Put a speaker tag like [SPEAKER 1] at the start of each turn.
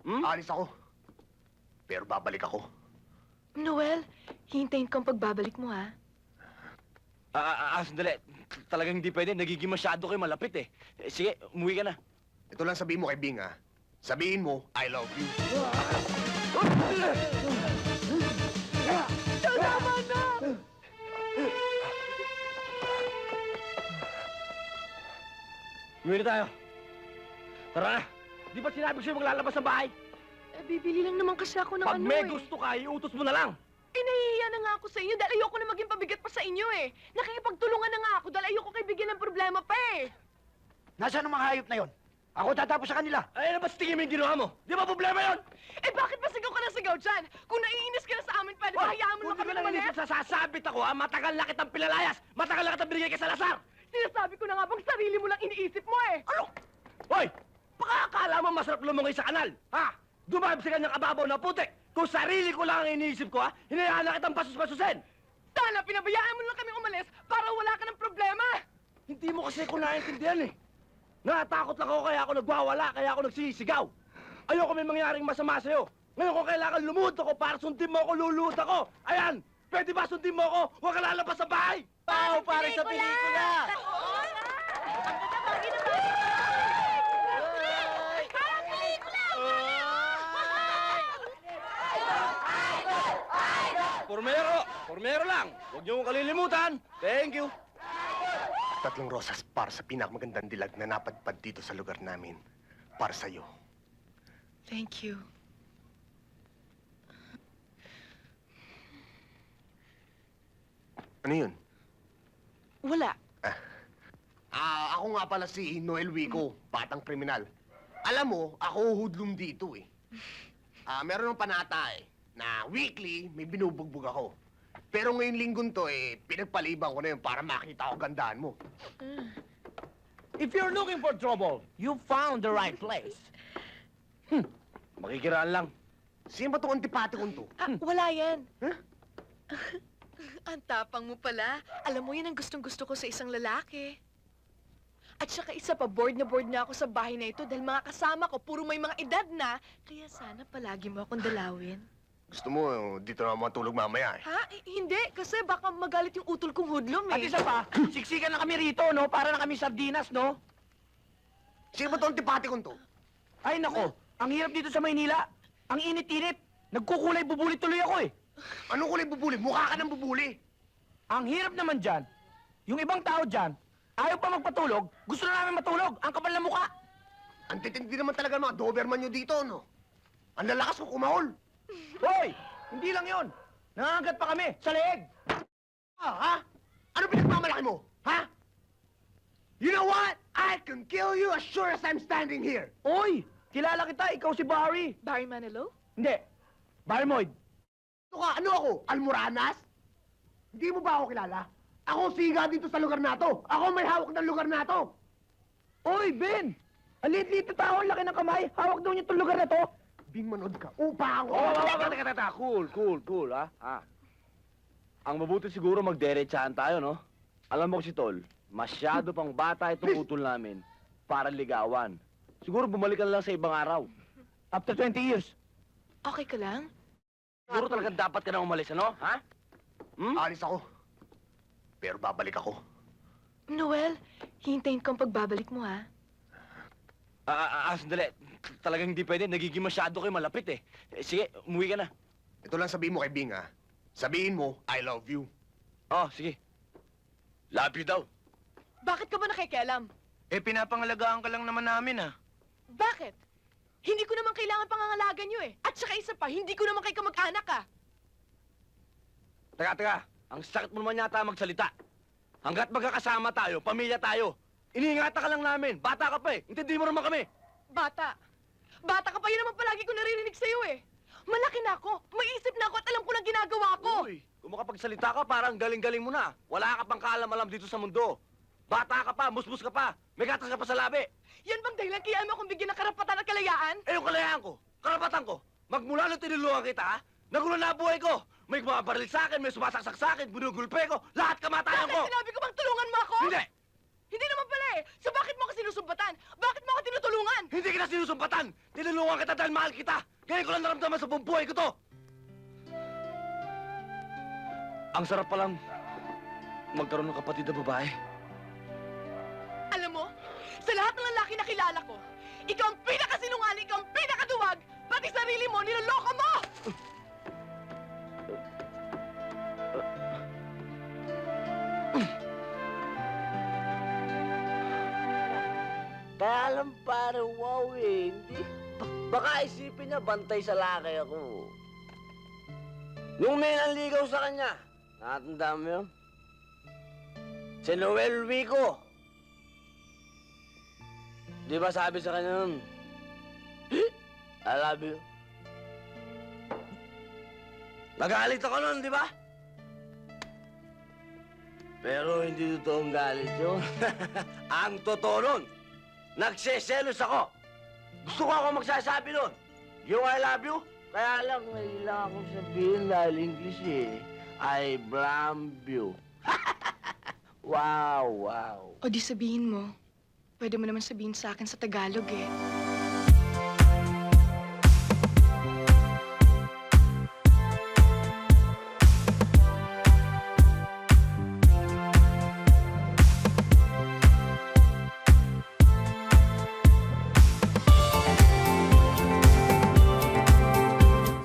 [SPEAKER 1] Alis ako. Pero babalik ako.
[SPEAKER 2] Noel, hintayin kang pagbabalik mo, ha?
[SPEAKER 3] Sandali. Talagang hindi pwede. Nagiging masyado kayo malapit eh. Sige, umuwi ka na.
[SPEAKER 1] Ito lang sabihin mo kay Bing, ha? Sabihin mo, I love you.
[SPEAKER 2] Tama na!
[SPEAKER 3] Umuwi na tayo. Tara na. Di ba sinabi ko sa'yo maglalabas sa bahay?
[SPEAKER 2] Bibili lang naman kasi ako ng
[SPEAKER 3] Pag may gusto ka, iutos mo na lang.
[SPEAKER 2] Nahihiya na nga ako sa inyo dahil ayoko na maging pabigat pa sa inyo, eh. Nakikipagtulungan na nga ako dahil ayoko kayo bigyan ng problema pa, eh.
[SPEAKER 4] Nasaan ang mga hayop na yon? Ako tatapos sa kanila.
[SPEAKER 3] Ay, ano ba sa tingin mo yung ginawa mo? Di ba problema yun?
[SPEAKER 2] Bakit ba sigaw ka na sigaw dyan? Kung naiinis ka na sa amin, pwede ba hayaan mo lang kami
[SPEAKER 3] Kung
[SPEAKER 2] umalis?
[SPEAKER 3] di sasabit ako, ha? Matagal na kitang pinalayas. Matagal na kitang binigay kay Salazar.
[SPEAKER 2] Sinasabi ko na nga bang sarili mo lang iniisip mo, eh.
[SPEAKER 3] Ano? Hoy! Baka akala mo masarap lumungay sa kanal, ha? Dumahib sa kanyang kababaw na putik. Kung sarili ko lang ang iniisip ko, ha? Hinayaan na kitang pasus-pasusin.
[SPEAKER 2] Sana pinabayaan mo lang kami umalis para wala ka ng problema.
[SPEAKER 3] Hindi mo kasi ko naiintindihan, eh. Natakot lang ako kaya ako nagwawala, kaya ako nagsisigaw. Ayoko may mangyaring masama sa'yo. Ngayon kung kailangan lumuhod ako para sundin mo ako, luluhod ako. Ayan! Pwede ba sundin mo ako? Huwag ka lalabas sa bahay!
[SPEAKER 4] Pao, para sa pelikula!
[SPEAKER 3] Formero lang! Huwag niyo kong kalilimutan. Thank you.
[SPEAKER 1] 3 rosas para sa pinakamagandang dilag na napadpad dito sa lugar namin. Para sa'yo.
[SPEAKER 2] Thank you.
[SPEAKER 1] Ano yun?
[SPEAKER 2] Wala.
[SPEAKER 1] Ako nga pala si Noel Wico, batang kriminal. Alam mo, ako hoodlum dito eh. Meron ng panata eh, na weekly may binubugbog ako. Pero ngayon linggon to eh, pinagpaliban ko na yun para makita ko gandaan mo.
[SPEAKER 4] If you're looking for trouble, you found the right place.
[SPEAKER 3] Makikiraan lang.
[SPEAKER 1] Sino ba itong antipati kong to?
[SPEAKER 2] Wala yan.
[SPEAKER 1] Huh?
[SPEAKER 2] Ang tapang mo pala. Alam mo, yan ang gustong-gusto ko sa isang lalaki. At saka isa pa, bored na ako sa bahay na ito dahil mga kasama ko, puro may mga edad na. Kaya sana palagi mo akong dalawin.
[SPEAKER 1] Gusto mo, dito na matulog mamaya eh.
[SPEAKER 2] Ha? Hindi, kasi baka magalit yung utol kong hudlom,
[SPEAKER 4] At
[SPEAKER 2] eh.
[SPEAKER 4] isa pa, siksikan na kami rito, no? Para na kami sardinas, no?
[SPEAKER 1] Sino ba itong antipati kong to?
[SPEAKER 4] Ay, nako. Ang hirap dito sa Maynila. Ang init-init. Nagkukulay bubuli tuloy ako, eh.
[SPEAKER 1] Anong kulay bubuli? Mukha ka ng bubuli.
[SPEAKER 4] Ang hirap naman dyan, yung ibang tao dyan, ayaw pa magpatulog, gusto na namin matulog. Ang kapal na mukha.
[SPEAKER 1] Ang titindi naman talaga ng mga Doberman nyo dito, no? Ang lalakas ko kumahol.
[SPEAKER 4] Hoy! Hindi lang yon. Nangangagat pa kami sa leeg.
[SPEAKER 1] Ha? Ano pinagmamalaki mo? Ha? You know what? I can kill you as sure as I'm standing here.
[SPEAKER 4] Oy! Kilala kita, ikaw si Barry.
[SPEAKER 2] Barry Manilow?
[SPEAKER 4] Hindi. Barry Moyd.
[SPEAKER 1] Ano ako? Almoranas? Hindi mo ba ako kilala? Ako siga dito sa lugar na to. Ako may hawak ng lugar na to.
[SPEAKER 4] Oy, Ben! Ang liit-liit na tao, ang laki ng kamay. Hawak daw niya itong lugar na to.
[SPEAKER 1] Bing manood ka. Upa ako.
[SPEAKER 3] Teka. Cool, ha? Ang mabuti siguro magderechahan tayo, no? Alam mo si Tol, masyado pang bata itong utol namin para ligawan. Siguro bumalik ka na lang sa ibang araw.
[SPEAKER 4] After 20 years.
[SPEAKER 2] Okay ka lang?
[SPEAKER 3] Siguro talaga dapat ka na umalis, ano? Ha?
[SPEAKER 1] Alis ako. Pero babalik ako.
[SPEAKER 2] Noel, hintayin kang pagbabalik mo, ha?
[SPEAKER 3] Sandali. Talagang hindi pwede. Nagiging masyado kayo malapit eh. Sige, umuwi ka na.
[SPEAKER 1] Ito lang sabihin mo kay Bing, ha? Sabihin mo, I love you.
[SPEAKER 3] Oh, sige. Love you daw.
[SPEAKER 2] Bakit ka ba nakikialam?
[SPEAKER 4] Pinapangalagaan ka lang naman namin, ha?
[SPEAKER 2] Bakit? Hindi ko naman kailangan pangangalagan nyo, eh. At saka isa pa, hindi ko naman kayo kamag-anak, ah.
[SPEAKER 3] Teka. Ang sakit mo naman yata magsalita. Hanggat magkakasama tayo, pamilya tayo, iniingatan ka lang namin. Bata ka pa eh. Intindi mo naman kami.
[SPEAKER 2] Bata. Bata ka pa, yun naman palagi ko naririnig sa'yo, eh. Malaki na ako, may isip na ako at alam ko na ginagawa ko.
[SPEAKER 3] Uy, kung makapagsalita ka, parang galing-galing mo na. Wala ka pang kaalam-alam dito sa mundo. Bata ka pa, musmus ka pa, may gatas ka pa sa labi.
[SPEAKER 2] Yan bang dahilan kaya mo akong bigyan ng karapatan at kalayaan?
[SPEAKER 3] Eh, yung kalayaan ko, karapatan ko, magmula nung tinulungan kita, ha? Nagulo na buhay ko. May bumabaril sa akin, may sumasaksak sa akin, binugulpe ko, lahat kamatayan
[SPEAKER 2] Bakit
[SPEAKER 3] ko.
[SPEAKER 2] sinabi ko bang tulungan mo ako?
[SPEAKER 3] Hindi!
[SPEAKER 2] Hindi naman pala eh! So bakit mo ako sinusumbatan? Bakit mo ako tinutulungan?
[SPEAKER 3] Hindi kita sinusumpatan! Tinulungan kita dahil mahal kita! Ngayon ko lang naramdaman sa buong buhay ko to! Ang sarap palang magkaroon ng kapatid na babae.
[SPEAKER 2] Alam mo, sa lahat ng lalaki na kilala ko, ikaw ang pinakasinungaling, ikaw ang pinakaduwag! Pati sarili mo, niloloko mo!
[SPEAKER 3] Kaya alam pare, wow eh. Hindi. Baka isipin niya bantay sa laki ako. Nung may nanligaw sa kanya, nakatanda mo yun? Si Noel Vico. Di ba sabi sa kanya nun, I love you. Nagalit ako nun, di ba? Pero hindi totoong galit yun. Ang totoo nun, nagseselos ako. Gusto ko ako magsasabi nun. Yung I love you, kaya lang, kailangan akong sabihin dahil English eh. I blam you. Wow, wow.
[SPEAKER 2] O di sabihin mo, pwede mo naman sabihin sa akin sa Tagalog eh.